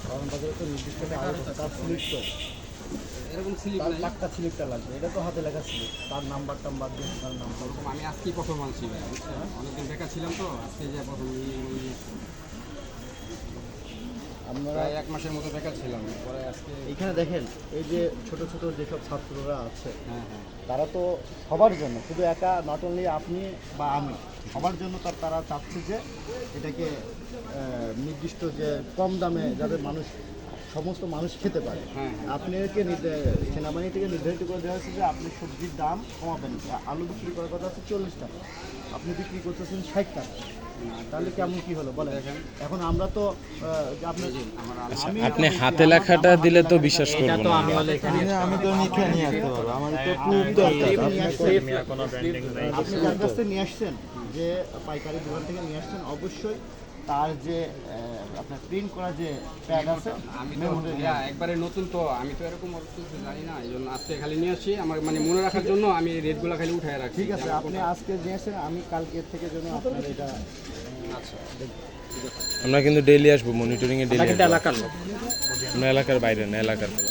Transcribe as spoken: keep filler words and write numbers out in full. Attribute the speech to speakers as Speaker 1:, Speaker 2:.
Speaker 1: কারণ বাজারে তো নির্দিষ্ট তার স্লিপ তো
Speaker 2: এরকম স্লিপ নাই,
Speaker 1: টাকা স্লিপটা লাগবে, এটা তো হাতে লেখা স্লিপ, তার নাম্বার টাম্বার দিয়ে তার নাম্বার।
Speaker 2: আমি আজকেই প্রথম আনছি ভাই, বুঝছেন? অনেকদিন বেকার ছিলাম তো, আজকে যে প্রথম
Speaker 1: আপনারা
Speaker 2: প্রায় এক মাসের মতো বেকার ছিলাম, পরে আজকে
Speaker 1: এইখানে দেখেন এই যে ছোট ছোট যেসব ছাত্ররা আছে,
Speaker 2: হ্যাঁ হ্যাঁ
Speaker 1: তারা তো সবার জন্য, শুধু একা নট অনলি আপনি বা আমি, সবার জন্য তার তারা চাচ্ছে যে এটাকে আহ, নির্দিষ্ট যে কম দামে যাতে মানুষ সমস্ত মানুষ খেতে পারে।
Speaker 2: হ্যাঁ।
Speaker 1: আপনাকে নির্দে- সেনাবাহিনী থেকে নির্ধারিত করে দেওয়া হয়েছে যে আপনি সবজির দাম কমাবেন, আলু বিক্রি করার কথা হচ্ছে চল্লিশ টাকা, আপনি বিক্রি করতেছেন ষাট টাকা, তাহলে কেমন কি হলো বলেন? এখন আমরা তো আহ, যে আপনার
Speaker 2: আমার
Speaker 3: আচ্ছা,
Speaker 1: আমি
Speaker 3: আপনি
Speaker 1: বলছি,
Speaker 3: হাতে
Speaker 1: আমার-
Speaker 3: লেখাটা
Speaker 1: আমার
Speaker 3: দিলে তো
Speaker 1: হাতে
Speaker 3: বিশ্বাস
Speaker 1: লেখাটা-
Speaker 3: করবো না।
Speaker 4: আমি তো লিখে নিয়ে আসতে পারবো, আমাদের তো প্রুফ দরকার।
Speaker 1: আপনি যার কাছ থেকে নিয়ে আসছেন, যে পাইকারি দোকান থেকে নিয়ে আসছেন, অবশ্যই তার যে আহ, আপনার প্রিন্ট করা যে প্যাড আছে,
Speaker 2: আমি তো
Speaker 1: মেমোরি
Speaker 2: ইয়া, একবারে নতুন তো, আমি তো এরকম অত কিছু জানি না, এই জন্য আজকে খালি নিয়ে আসছি, আমার মানে মনে রাখার জন্য আমি রেটগুলো খালি উঠায় রাখছি।
Speaker 1: ঠিক আছে, আপনি আজকে নিয়ে আসছেন, আমি কালকের থেকে জন্য আপনার এটা
Speaker 2: আচ্ছা,
Speaker 3: আমরা কিন্তু ডেইলি আসবো, মনিটরিং এ ডেইলি এলাকার আমরা এলাকার বাইরে না, এলাকার